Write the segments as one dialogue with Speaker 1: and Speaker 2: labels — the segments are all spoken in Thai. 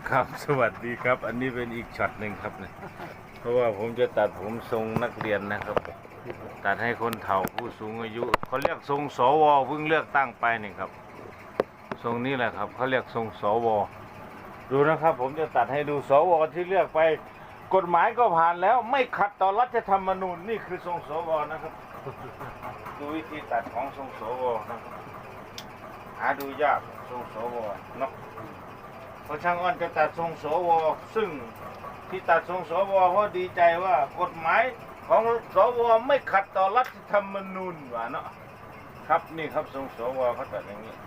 Speaker 1: ครับสวัสดีครับอันนี้เป็นอีกช็อตหนึ่งครับเนี่ยเพราะว่าผมจะตัดผมทรงนักเรียนนะครับตัดให้คนเฒ่าผู้สูงอายุเขาเรียกทรงสวเพิ่งเลือกตั้งไปนี่ครับทรงนี้แหละครับเขาเรียกทรงสวดูนะครับผมจะตัดให้ดูสวที่เลือกไปกฎหมายก็ผ่านแล้วไม่ขัดต่อรัฐธรรมนูญนี่คือทรงสวนะครับดูวิธีตัดของทรงสวนะครับหาดูยากทรงสวเนาะพอช่างอ้อนจะตัดทรงสวซึ่งที่ตัดทรงสวเพราะดีใจว่ากฎหมายของสวไม่ขัดต่อรัฐธรรมนูญว่าเนาะครับนี่ครับทรงสวเขาตัดอย่างนี้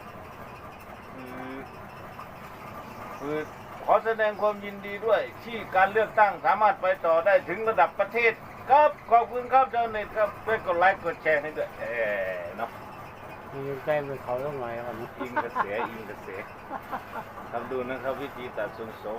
Speaker 1: คือขอแสดงความยินดีด้วยที่การเลือกตั้งสามารถไปต่อได้ถึงระดับประเทศครับขอบคุณครับเจ้าเน็ตครับช่วยกดไลค์กดแชร์ให้ด้วยเนาะ
Speaker 2: มีแต้มเป็นเขาต้องไงครับ
Speaker 1: อิงกระแสทำดูนะครับวิธีตัดทรงโซ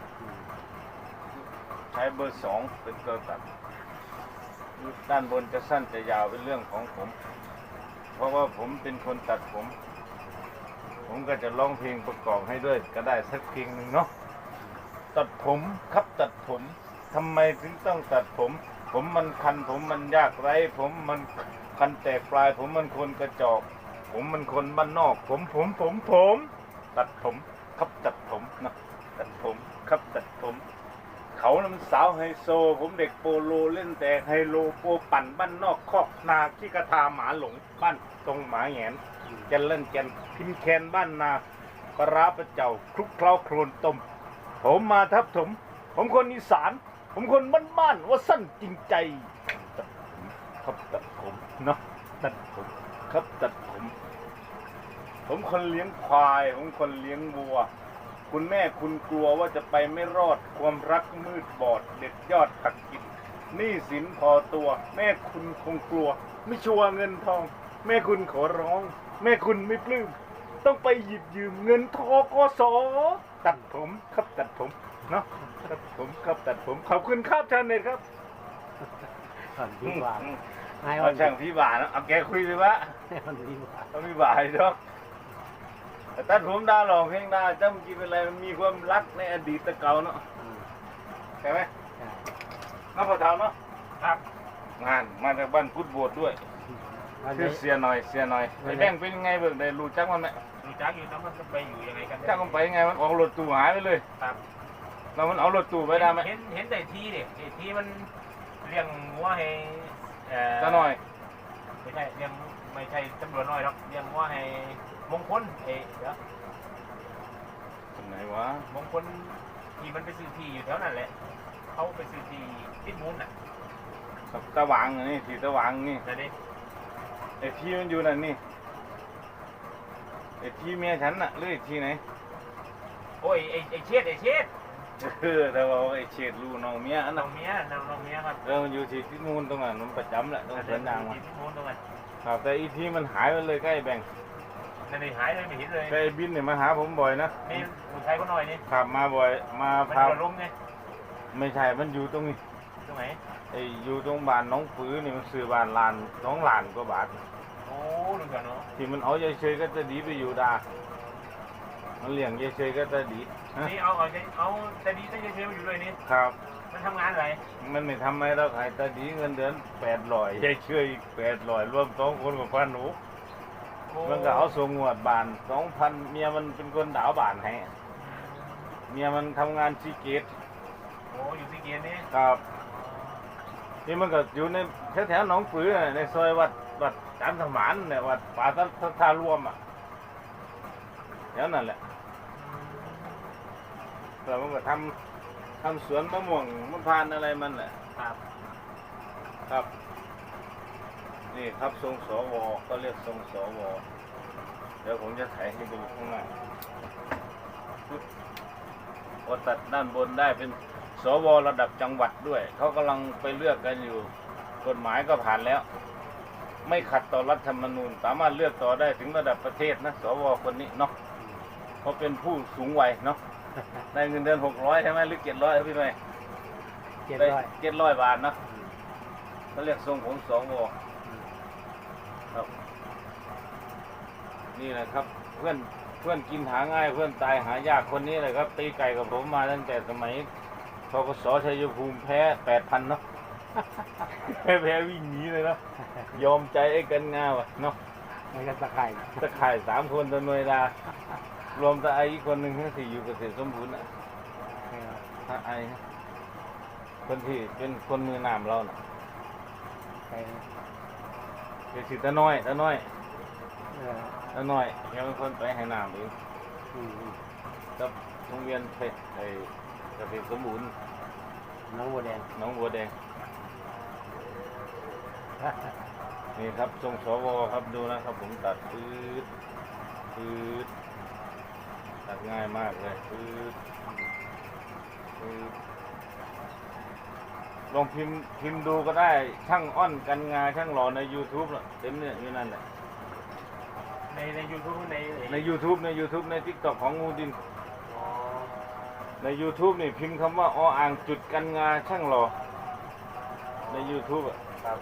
Speaker 1: ใช้เบอร์2เป็นตัวตัดด้านบนจะสั้นจะยาวเป็นเรื่องของผมเพราะว่าผมเป็นคนตัดผมก็จะร้องเพลงประกอบให้ด้วยก็ได้สักเพลงหนึ่งเนาะตัดผมครับตัดผมทำไมถึงต้องตัดผมมันคันผมมันยากไร้ผมมันคันแตกปลายผมมันคนกระจอกผมมันคนบ้านนอกผมตัดผมครับตัดผมนะตัดผมครับตัดผมเขาน่ะมันสาวไฮโซผมเด็กโปโลเล่นแต่ไฮโลโปปั่นบ้านนอกคอกนาขี้กระทาหมาหลงบ้านตรงหมาแหงนแกนเล่นแกนพิมแคนบ้านนาปลาร้าประเจ้าคลุกเคล้าโครนต้มผมมาทับผมคนอีสานผมคนบ้านว่าสั้นจริงใจตัดผมครับตัดผมเนาะตัดผมครับตัดผมคนเลี้ยงควายผมคนเลี้ยงวัวคุณแม่คุณกลัวว่าจะไปไม่รอดความรักมืดบอดเด็ดยอดหักกินหนี้สินพอตัวแม่คุณคงกลัวไม่ชัวร์เงินทองแม่คุณขอร้องแม่คุณไม่ปลื้มต้องไปหยิบยืมเงินทกสตัดผมครับตัดผมเนาะตัดผมครับตัดผมขอบคุณครับชาเน็ตครับ
Speaker 2: พี่บาท
Speaker 1: เอาช่างพี่บาทนะเอาแกคุยเลยวะเอาพี่บาทดอกตัดผมดาหลอกเพลงดาจำกี่เป็นไรมันมีความรักในอดีตเก่าเนาะใช่ไหมน้าพอเท่าเนาะครับงานมาจากบ้านพุทธโบสถ์ด้วยชื่อเสียหน่อยไอ้แบงเป็นยังไงเบิกได้รู้จักมันไหม
Speaker 3: รู้จักอยู่นะมันจะไปอยู่ยังไงกัน
Speaker 1: จักมันไปยังไงมันออกรถตู้หายไปเลย
Speaker 3: ครับ
Speaker 1: เรามันเอารถตู้ไปได้ไหม
Speaker 3: เห็นแต่ทีเด็กทีมันเลี้ยงวัวให้
Speaker 1: จะหน่อย
Speaker 3: ไม่ใช่เลี้ยงไม่ใช่ตำรวจน้อยหรอกเลี้ยงวัวให้มงคลเดี๋ยว
Speaker 1: ตรงไหนวะ
Speaker 3: มงคลที่มันไปซื้อที่อยู่แถวนั้นแหละเขาไปซื้อที่พิษมูลน่ะ
Speaker 1: ตะหวางนี่ที่ตะหวางนี่
Speaker 3: แต่ดิ
Speaker 1: ไอ้ที่มันอยู่นั่นนี่ไอ้ที่เมียฉันน่ะหรือไอ้ที่ไหน
Speaker 3: โอ้ยไอ้เช็ด
Speaker 1: แต่ว่าไอ้เฉดลูน้องเมีย
Speaker 3: น้องเมียครับ
Speaker 1: มันอยู่ที่มูลตรงนั้นมันประจำแหละตรงสวนยางมา
Speaker 3: พิษมูลตรงนั้น
Speaker 1: ครับแต่อีที่มันหายไปเลยใกล้แบ่ง
Speaker 3: นั่นหายเลยไม่เห็นเลย
Speaker 1: ใกล้บินเนี่ยมาหาผมบ่อยนะ
Speaker 3: นี่ผู้ชายก็น้อยนี่
Speaker 1: ขับมาบ่อยมา
Speaker 3: พาลงไง
Speaker 1: ไม่ใช่มันอยู่ตรงนี้
Speaker 3: ตรงไหน
Speaker 1: ไอ้อยู่ตรงบ้านน้องปื้อนี่มันซื้อบ้านลานน้องหลานก็บาท
Speaker 3: โอ้ลุงกันเนาะ
Speaker 1: ที่มันเอาเฉยๆก็จะดีไปอยู่ดามันเลี้ยงเฉยๆก็จะดี
Speaker 3: นี่เอาแต่ดีแต่เฉยๆมาอยู่เลยนี่
Speaker 1: ครับ
Speaker 3: มันทำงานอะไร
Speaker 1: มันไม่ทำให้เราขายแต่ดีเงินเดือน800เฉยๆอีก800รวม2คนกับพันหนูมันก็เอาส่งงวดบาน 2,000เมียมันเป็นคนดาวบานให้เมียมันทำงานซีเกต
Speaker 3: โอ้อยู่ซีเกตนี่
Speaker 1: ครับนี่มันก็อยู่ในแถวๆหนองปือในซอยวัดจันทมานเนี่ยวัดป่าทารวมอ่ะแถวนั่นแหละแต่มันก็ทำสวนมะม่วงมะพร้าวอะไรมันแหละครับนี่ครับทรงสวก็เรียกทรงสวเดี๋ยวผมจะถ่ายให้ดูข้างหน้าพอตัดด้านบนได้เป็นสวระดับจังหวัดด้วยเขากำลังไปเลือกกันอยู่กฎหมายก็ผ่านแล้วไม่ขัดต่อรัฐธรรมนูญสามารถเลือกต่อได้ถึงระดับประเทศนะสวคนนี้เนาะเขาเป็นผู้สูงวัยเนาะได้เงินเดือน600ใช่ไหมหรือ700พี่ไหม700 บาทนะเขาเรียกทรงของสวครับนี่แหละครับเพื่อนเพื่อนกินหาง่ายเพื่อนตายหายากคนนี้เลยครับตีไก่กับผมมาตั้งแต่สมัยทกสชัยภูมิแพ้ 8,000 เนาะ แพ้วิ่งหนีเลยเนาะยอมใจไอ้กันงาวะเนาะ
Speaker 2: มันก็ตะไคร่
Speaker 1: ตะข่าย3 คนตะหน่วยดารวมตะไออีกคนหนึ่งที่อยู่เกษตรสมบูรณ์อ่ะตะไอนะคนที่เป็นคนมือน้ำเราน่ะ
Speaker 2: ไป
Speaker 1: เป็นสิตะน้อยตะน้อย
Speaker 2: เออ
Speaker 1: ตะน้อยยังเป็นคนไปให้น้ำเอง
Speaker 2: อืม
Speaker 1: กับโรงเรียนเพชรไอเกษตรสมบูรณ์
Speaker 2: น้องบัวแดง
Speaker 1: หน้องบัวแดงนี่ครับทรงสวครับดูนะครับผมตัดปื๊ดปื๊ดตัดง่ายมากเลยปื๊ดปื๊ดลองพิมพ์ดูก็ได้ช่างอ้อนกันงาช่างหล่อใน YouTube น่ะเต็มเนี่ยอยู่นั่นแหละ
Speaker 3: ในยูทูบใน
Speaker 1: ใน YouTube ใน TikTok ของงูดิน
Speaker 3: อ๋อ
Speaker 1: ใน YouTube นี่พิมพ์คำว่าอ่างจุดกันงาช่างหล่อใน YouTube อ่ะ
Speaker 3: ครับ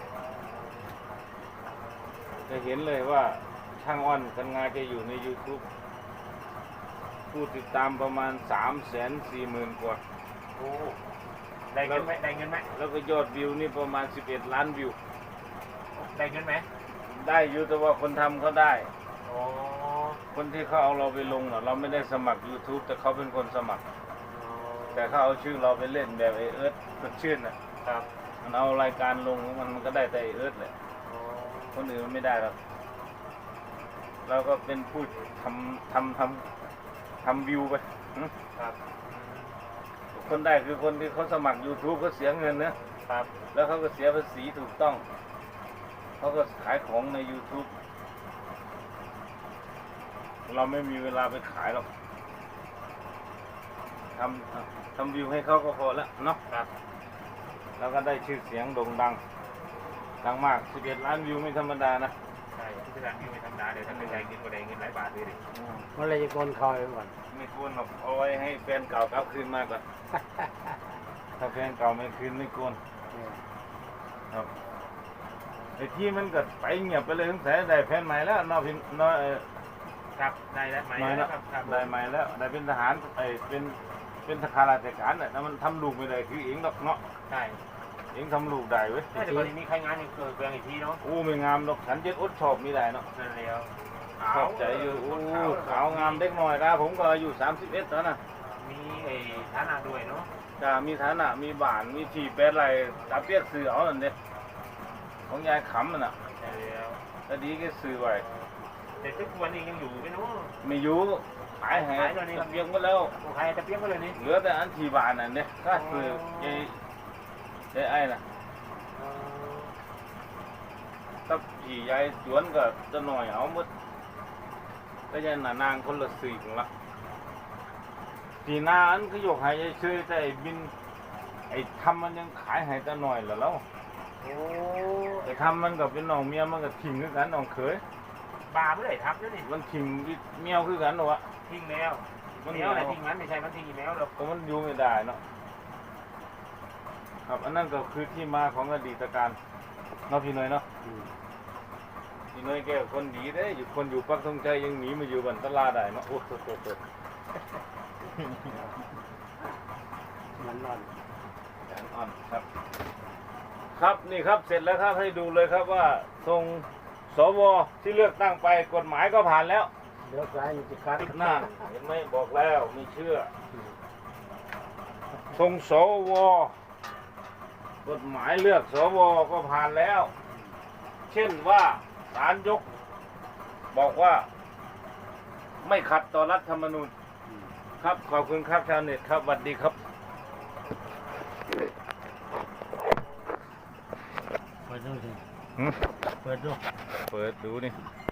Speaker 1: จะเห็นเลยว่าช่างอ้อนกันงาจะอยู่ใน YouTube ผู้ติดตามประมาณ 340,000 กว่า
Speaker 3: โอ้ได้เงินไหมได้เงินไหม
Speaker 1: แล้วก็ยอดวิวนี่ประมาณ 11 ล้านวิว
Speaker 3: ได้เงินไหม
Speaker 1: ได้อยู่แต่ว่าคนทำเขาได้
Speaker 3: อ๋อ
Speaker 1: คนที่เขาเอาเราไปลงน่ะเราไม่ได้สมัคร YouTube แต่เขาเป็นคนสมัคร แต่เขาเอาชื่อเราไปเล่นแบบไอเอิร์ธสดชื่นน่ะ
Speaker 3: ครับ
Speaker 1: มันเอารายการลงของมันก็ได้แต่ไอเอิร์ธแหละ
Speaker 3: อ๋อ
Speaker 1: คนอื่นมันไม่ได้หรอกเราก็เป็นผู้ทำวิวไปหึ
Speaker 3: ครับ
Speaker 1: คนได้คือคนที่เขาสมัคร YouTube เขาเสียเงินนะครับ แล้วเขาก็เสียภาษีถูกต้อง เขาก็ขายของใน YouTube เราไม่มีเวลาไปขายหรอกทำวิวให้เขาก็พอแล้วเนาะ
Speaker 3: ครับ
Speaker 1: แล้วก็ได้ชื่อเสียงโด่งดัง ดังมาก 11 ล้านวิวไม่ธรรมดานะ
Speaker 3: ใช่ที่ร้านนี้ไม่ธรรมดาเดี๋ยวถ้าเป็นได้เงินก็ได้เงินหลายบาทเลยดิ
Speaker 2: เมื่อไรจะโกนคอยไปก่อน
Speaker 1: ไม่ควรหรอกเอาไว้ให้แฟนเก่ากลับคืนมาก่อน ถ้าแฟนเก่าไม่คืนไม่ควร
Speaker 2: เออ
Speaker 1: ครับไอ้ที่มันก็ไปเงียบไปเลยสงสัยได้แฟนใหม่แล้วเนอกพินน้อย
Speaker 3: ครับได้แล้วไหม
Speaker 1: น้อยแล้ว
Speaker 3: ครับครับ
Speaker 1: ได้ใหม่แล้วได้เป็นทหารเป็นทหารราชการน่ะแล้วมันทำลูกไม่ได้คือเองดอกเนาะ
Speaker 3: ใช่
Speaker 1: เองทำลูกได้เว้ย
Speaker 3: แต่ตอนนี้มีใครงานอยู่เกิดเบืองอีกทีเนาะ
Speaker 1: อู้ไม่งามดอกฉันจะอดชอบไม่ได้เนาะ
Speaker 3: นั่นแล้ว
Speaker 1: ชอบใจอยู่อู้ขาวงามเด็กหน่อยนะผมก็อายุ31แล้วนะ
Speaker 3: มีไอ้ฐานะด้วยเนาะ
Speaker 1: จะมีฐานะมีบ้านมีที่เป็ดอะไรตาเปียกซื้อเอานั่นเด้ของยายขำมันน่ะ
Speaker 3: นั่นแล้ว
Speaker 1: แต่ดีก็ซื้อไว้
Speaker 3: แต่ทุกวันนี้ยังอยู่ไหมเนาะ
Speaker 1: ไม่อยู่ขายให้
Speaker 3: ขายตอนนี้
Speaker 1: ตะเบียงหมดแล้ว
Speaker 3: โอ้ใครจะเปี้ยงก็เลยนี่
Speaker 1: เหลือแต่อันที่บ้านนั่นเด้ก็ซื้อไอ้น่ะถ้าพี่ยายสวนก็จะหน่อยเอาหมดก็ยันน่ะนางคนละสี่ของละที่นาอันก็ยกให้ยายซื้อแต่ไอ้บินไอ้ทำมันยังขายให้แต่หน่อยละแล้ว
Speaker 3: โอ้
Speaker 1: ไอ้ทำมันก็เป็นน้องเมียมันก็ทิ้งคือกันน้องเขย
Speaker 3: บาเมื่อไหร่ทับแล้วนี่
Speaker 1: มันทิ้งเมียวคือกันหรอวะ
Speaker 3: ทิ้งแล้วแมวอะไรทิ้งมันไม่ใช่มันทิ้งอีแมวหรอก
Speaker 1: ก็มันอยู่ไม่ได้เนาะครับอันนั้นก็คือที่มาของอดีตการเนาะพี่น้อยเนาะ
Speaker 2: อืม
Speaker 1: พี่น้อยแกคนดีเด้อยู่คนอยู่ปักธงชัยยังหนีมาอยู่บันตลาได้เนาะโอ้โห
Speaker 2: มันนอน
Speaker 1: แสนอ่อนครับ ครับนี่ครับเสร็จแล้วครับให้ดูเลยครับว่าทรงสวที่เลือกตั้งไปกฎหมายก็ผ่านแล้ว
Speaker 2: เดี๋ยวซ้ายมันจะคัด
Speaker 1: นั่นเห็นไหมบอกแล้วไม่เชื่อทรงสวกฎหมายเลือกสวก็ผ่านแล้ว เช่นว่าศาลยก บอกว่าไม่ขัดต่อรัฐธรรมนูญ
Speaker 2: อืม
Speaker 1: ครับขอบคุณครับชาวเน็ตครับสวัสดีครับ
Speaker 2: เปิดดูสิ
Speaker 1: หืม
Speaker 2: เปิดดู
Speaker 1: เปิดดูนี่